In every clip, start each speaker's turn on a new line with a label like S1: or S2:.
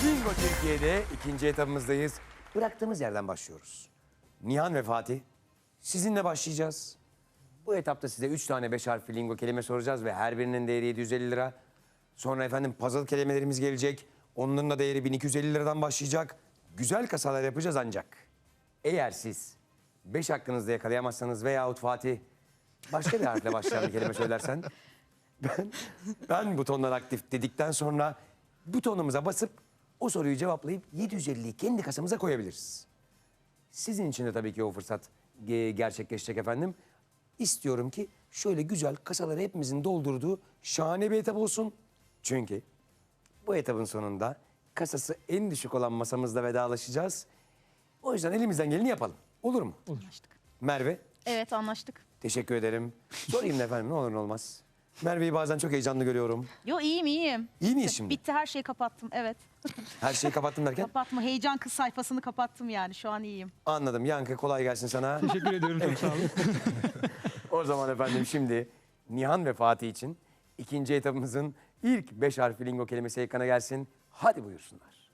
S1: Bingo Türkiye'de ikinci etapımızdayız. Bıraktığımız yerden başlıyoruz. Nihan ve Fatih, sizinle başlayacağız. Bu etapta size 3 tane 5 harfli lingo kelime soracağız ve her birinin değeri 750 lira. Sonra efendim puzzle kelimelerimiz gelecek. Onların da değeri 1250 liradan başlayacak. Güzel kasalar yapacağız ancak. Eğer siz 5 hakkınızda yakalayamazsanız veyahut Fatih başka bir harfle başlayan bir kelime söylersen... Ben butonlar aktif dedikten sonra butonumuza basıp o soruyu cevaplayıp 750'yi kendi kasamıza koyabiliriz. Sizin için de tabii ki o fırsat gerçekleşecek efendim. İstiyorum ki şöyle güzel kasaları hepimizin doldurduğu şahane bir etap olsun. Çünkü bu etapın sonunda kasası en düşük olan masamızla vedalaşacağız. O yüzden elimizden geleni yapalım. Olur mu?
S2: Olur.
S1: Merve,
S3: Evet, anlaştık.
S1: teşekkür ederim. Sorayım da efendim ne olur ne olmaz. Merve'yi bazen çok heyecanlı görüyorum.
S3: Yo, iyiyim.
S1: İyi miyiz şimdi?
S3: Bitti, her şeyi kapattım, evet.
S1: Her şeyi kapattım derken?
S3: Kapatma, heyecan kız sayfasını kapattım yani, şu an iyiyim.
S1: Anladım. Yankı kolay gelsin sana.
S2: Teşekkür ediyorum, çok sağ olun.
S1: O zaman efendim şimdi Nihan ve Fatih için ikinci etapımızın ilk 5 harfli lingo kelimesi ekrana gelsin. Hadi buyursunlar.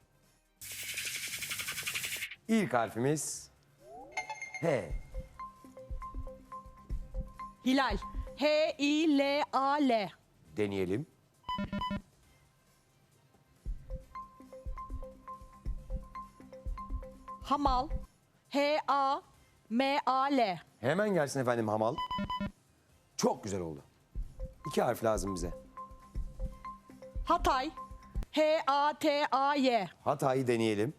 S1: İlk harfimiz H.
S3: Hilal. H-I-L-A-L.
S1: Deneyelim.
S3: Hamal. H-A-M-A-L.
S1: Hemen gelsin efendim hamal. Çok güzel oldu. 2 harf lazım bize.
S3: Hatay. H-A-T-A-Y.
S1: Hatay'ı deneyelim.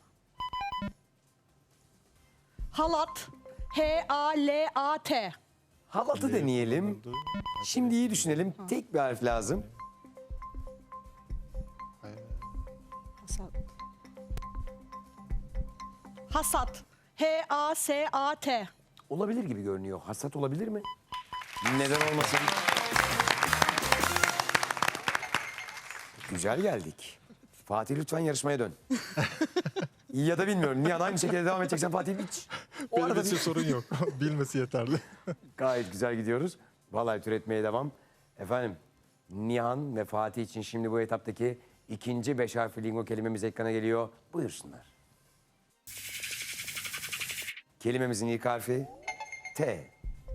S3: Halat. H-A-L-A-T.
S1: Halatı deneyelim. Şimdi iyi düşünelim. Tek bir harf lazım.
S3: Hasat. H-A-S-A-T.
S1: Olabilir gibi görünüyor. Hasat olabilir mi? Neden olmasın? Güzel geldik. Fatih lütfen yarışmaya dön. Ya da bilmiyorum. Nihan aynı şekilde devam edeceksen Fatih hiç. O arada
S4: Benim için sorun yok. Bilmesi yeterli.
S1: gayet güzel gidiyoruz. Vallahi türetmeye devam. Efendim Nihan ve Fatih için şimdi bu etaptaki ikinci 5 harfli lingo kelimemiz ekrana geliyor. Buyursunlar. Kelimemizin ilk harfi T.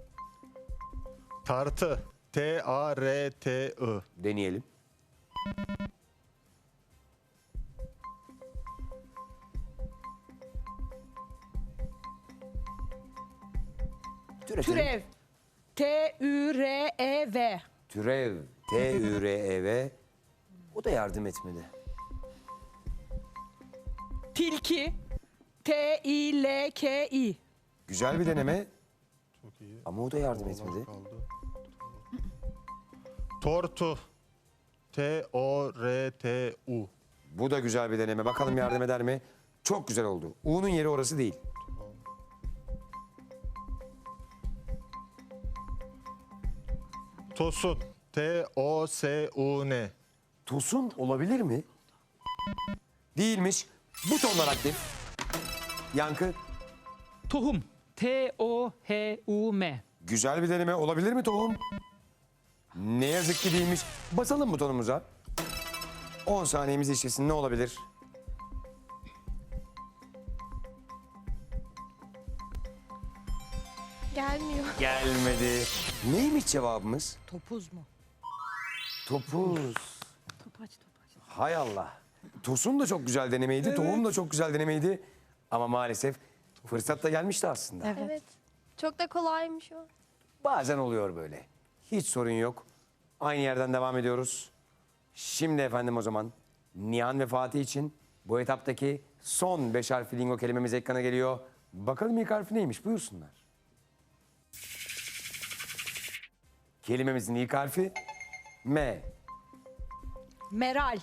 S4: Tartı. T-A-R-T-I.
S1: Deneyelim. Türetelim.
S3: Türev. T-Ü-R-E-V.
S1: Türev. T-Ü-R-E-V. O da yardım etmedi.
S3: Tilki. T-İ-L-K-İ.
S1: Güzel bir deneme
S4: Çok iyi.
S1: ama o da yardım etmedi.
S4: Kaldı. Tortu. T-O-R-T-U.
S1: Bu da güzel bir deneme. Bakalım yardım eder mi? Çok güzel oldu. U'nun yeri orası değil.
S4: Tosun. T-O-S-U-N.
S1: Tosun olabilir mi? Değilmiş. Butonlar aktif. Yankı.
S2: Tohum. T-O-H-U-M.
S1: Güzel bir deneme. Olabilir mi tohum? Ne yazık ki değilmiş. Basalım butonumuza. 10 saniyemiz işlesin. Ne olabilir?
S5: Gelmiyor.
S1: Gelmedi. Neymiş cevabımız?
S3: Topuz mu?
S1: Topuz.
S3: Topaç.
S1: Hay Allah. Tosun da çok güzel denemeydi. Tohum da çok güzel denemeydi. Ama maalesef fırsat da gelmişti aslında.
S5: Evet. Çok da kolaymış o.
S1: Bazen oluyor böyle. Hiç sorun yok. Aynı yerden devam ediyoruz. Şimdi efendim o zaman Nihan ve Fatih için bu etaptaki son 5 harfli lingo kelimemiz ekrana geliyor. Bakalım ilk harfi neymiş? Buyursunlar. Kelimemizin ilk harfi M.
S3: Meral.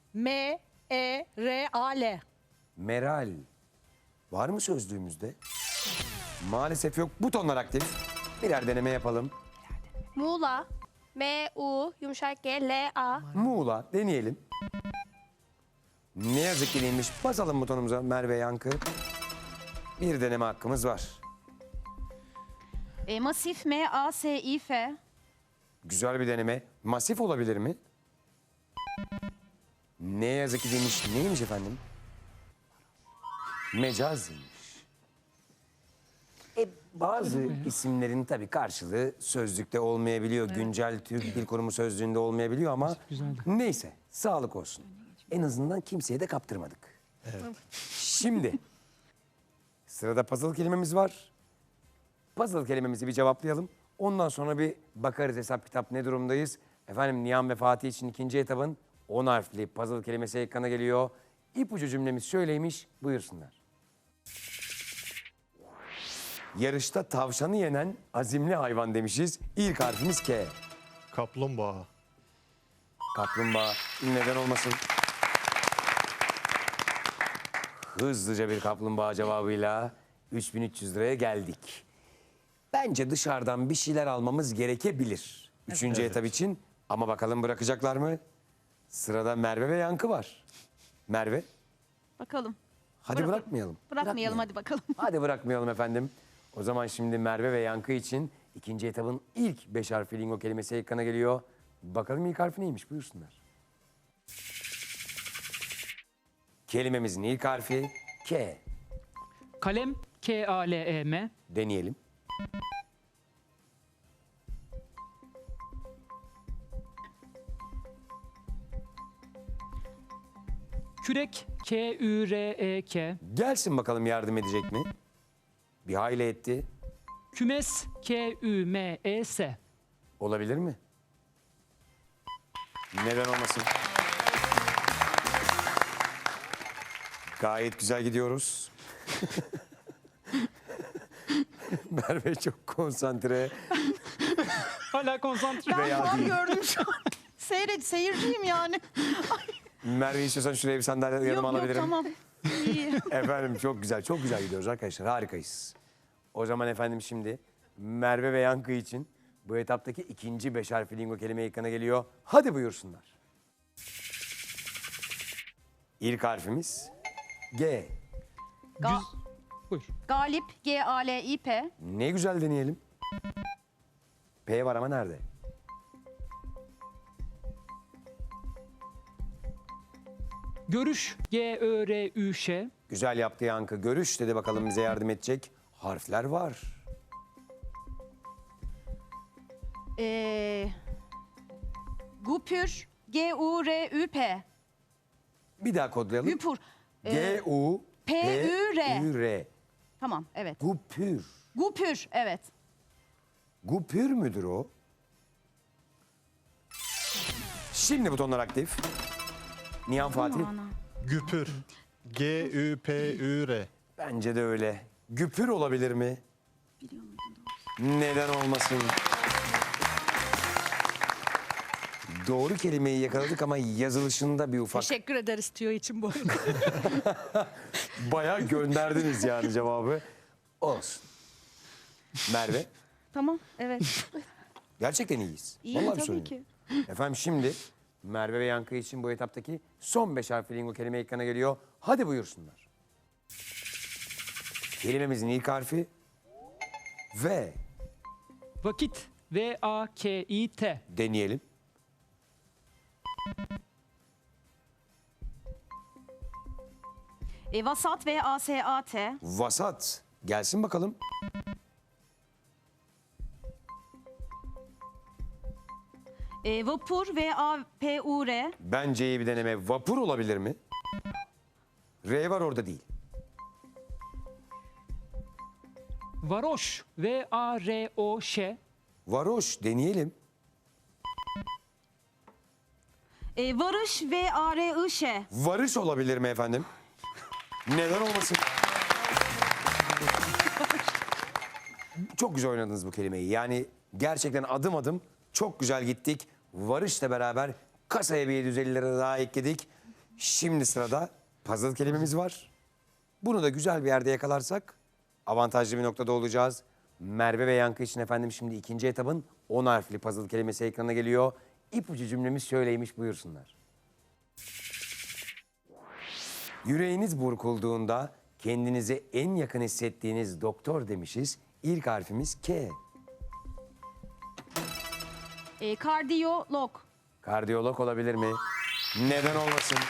S3: M-E-R-A-L.
S1: Meral. Var mı sözlüğümüzde? Maalesef yok. Butonlar aktif. Birer deneme yapalım.
S5: Muğla. M-U yumuşak G-L-A.
S1: Muğla deneyelim. Ne yazık ki değilmiş. Basalım butonumuza Merve Yankı. Bir deneme hakkımız var.
S3: Masif. M-A-S-İ-F.
S1: Güzel bir deneme. Masif olabilir mi? Ne yazık ki demiş. Neymiş efendim? Mecazmış. Bazı isimlerin tabii karşılığı sözlükte olmayabiliyor. Güncel Türk Dil Kurumu sözlüğünde olmayabiliyor ama
S2: güzeldi.
S1: neyse sağlık olsun. En azından kimseye de kaptırmadık. Şimdi sırada puzzle kelimemiz var. Puzzle kelimemizi bir cevaplayalım. Ondan sonra bir bakarız hesap kitap ne durumdayız. Efendim Nihan ve Fatih için ikinci etabın 10 harfli puzzle kelimesi ekrana geliyor. İpucu cümlemiz şöyleymiş, buyursunlar. Yarışta tavşanı yenen azimli hayvan demişiz. İlk harfimiz K.
S4: Kaplumbağa.
S1: Kaplumbağa neden olmasın? Hızlıca bir kaplumbağa cevabıyla 3300 liraya geldik. Bence dışarıdan bir şeyler almamız gerekebilir. Üçüncü etap için. Ama bakalım bırakacaklar mı? Sırada Merve ve Yankı var. Merve,
S3: Bakalım.
S1: hadi bırakmayalım.
S3: Bırakmayalım hadi bakalım.
S1: Hadi bırakmayalım efendim. O zaman şimdi Merve ve Yankı için ikinci etabın ilk 5 harfli lingo kelimesi ekrana geliyor. Bakalım ilk harfi neymiş, buyursunlar. Kelimemizin ilk harfi K.
S2: Kalem, K-A-L-E-M.
S1: Deneyelim.
S2: Kürek, K-Ü-R-E-K.
S1: Gelsin bakalım yardım edecek mi? Bir hayli etti.
S2: Kümes, K-Ü-M-E-S.
S1: Olabilir mi? Neden olmasın? Gayet güzel gidiyoruz. Merve çok konsantre.
S2: Hala konsantre.
S3: Ben
S1: Veya
S3: falan
S1: değil.
S3: gördüm şu an. Seyirciyim yani.
S1: Merve istiyorsan şuraya bir sandalye yanıma alabilirim.
S3: Tamam. İyi.
S1: Efendim çok güzel gidiyoruz arkadaşlar. Harikayız. O zaman efendim şimdi Merve ve Yankı için bu etaptaki ikinci 5 harfli lingo kelime ekrana geliyor. Hadi buyursunlar. İlk harfimiz G.
S2: Buyur.
S6: Galip, G-A-L-İ-P.
S1: Ne güzel deneyelim. P var ama nerede?
S2: Görüş, G-Ö-R-Ü-Ş.
S1: Güzel yaptı Yankı. Görüş dedi, bakalım bize yardım edecek. Harfler var.
S6: Gupür, G-U-R-Ü-P.
S1: Bir daha kodlayalım.
S6: Güpür.
S1: G-U-P-Ü-R.
S6: P-Ü-R. Tamam, evet.
S1: Gupür.
S6: Gupür, evet.
S1: Gupür müdür o? Şimdi butonlar aktif. Nihan Fatih.
S4: Güpür. G-Ü-P-Ü-R.
S1: Bence de öyle. Güpür olabilir mi? Neden olmasın? Doğru kelimeyi yakaladık ama yazılışında bir ufak...
S3: Teşekkür ederiz tüyo için bu arada.
S1: Bayağı gönderdiniz yani cevabı. Olsun. Merve,
S6: Tamam, evet.
S1: gerçekten iyiyiz.
S6: İyi,
S1: Vallahi bir
S6: tabii
S1: sorun yok.
S6: ki.
S1: Efendim şimdi Merve ve Yankı için bu etaptaki son 5 harfli lingo kelime ekrana geliyor. Hadi buyursunlar. Kelimemizin ilk harfi V.
S2: Vakit, V-A-K-İ-T.
S1: Deneyelim.
S6: Vasat, V-A-S-A-T.
S1: Vasat. Gelsin bakalım.
S6: Vapur, V-A-P-U-R.
S1: Bence iyi bir deneme. Vapur olabilir mi? R var orada değil.
S2: Varoş, V-A-R-O-Ş.
S1: Varoş deneyelim.
S6: Varış, V-A-R-I-Ş.
S1: Varış olabilir mi efendim? Neden olmasın? Çok güzel oynadınız bu kelimeyi. Yani gerçekten adım adım çok güzel gittik. Varışla beraber kasaya bir 750 lira daha ekledik. Şimdi sırada puzzle kelimemiz var. Bunu da güzel bir yerde yakalarsak avantajlı bir noktada olacağız. Merve ve Yankı için efendim şimdi ikinci etabın 10 harfli puzzle kelimesi ekrana geliyor. İpucu cümlemiz şöyleymiş, buyursunlar. Yüreğiniz burkulduğunda kendinize en yakın hissettiğiniz doktor demişiz. İlk harfimiz K.
S6: Kardiyolog.
S1: Kardiyolog olabilir mi? Neden olmasın?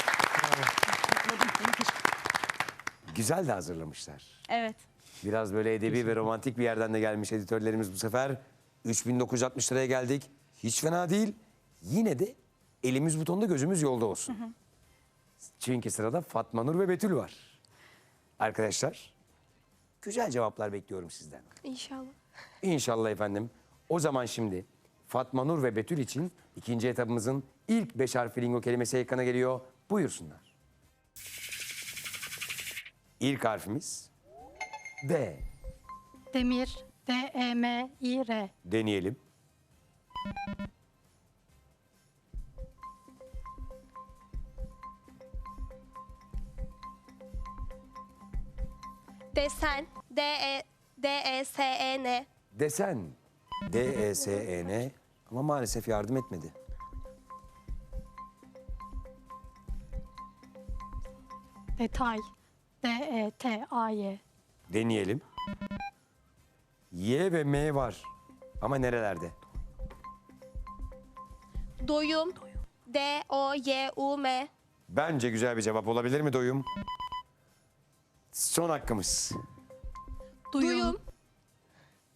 S1: Güzel de hazırlamışlar.
S6: Evet.
S1: Biraz böyle edebi ve romantik bir yerden de gelmiş editörlerimiz bu sefer. 3960 liraya geldik. Hiç fena değil. Yine de elimiz butonda gözümüz yolda olsun. Çünkü sırada Fatma Nur ve Betül var. Arkadaşlar güzel cevaplar bekliyorum sizden.
S5: İnşallah.
S1: İnşallah efendim. O zaman şimdi Fatma Nur ve Betül için ikinci etabımızın ilk 5 harfli lingo kelimesi ekrana geliyor. Buyursunlar. İlk harfimiz D.
S7: Demir, D-E-M-İ-R.
S1: Deneyelim.
S5: Desen, D-E-S-E-N.
S1: Desen. D-E-S-E-N. Ama maalesef yardım etmedi.
S7: Detay, D-E-T-A-Y.
S1: Deneyelim. Y ve M var. Ama nerelerde?
S5: Doyum, D-O-Y-U-M.
S1: Bence güzel bir cevap olabilir mi doyum? Son hakkımız.
S5: Duyum,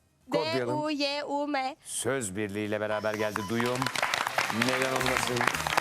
S1: Kodlayalım.
S5: D-U-Y-U-M.
S1: Söz birliğiyle beraber geldi duyum. Neden olmasın?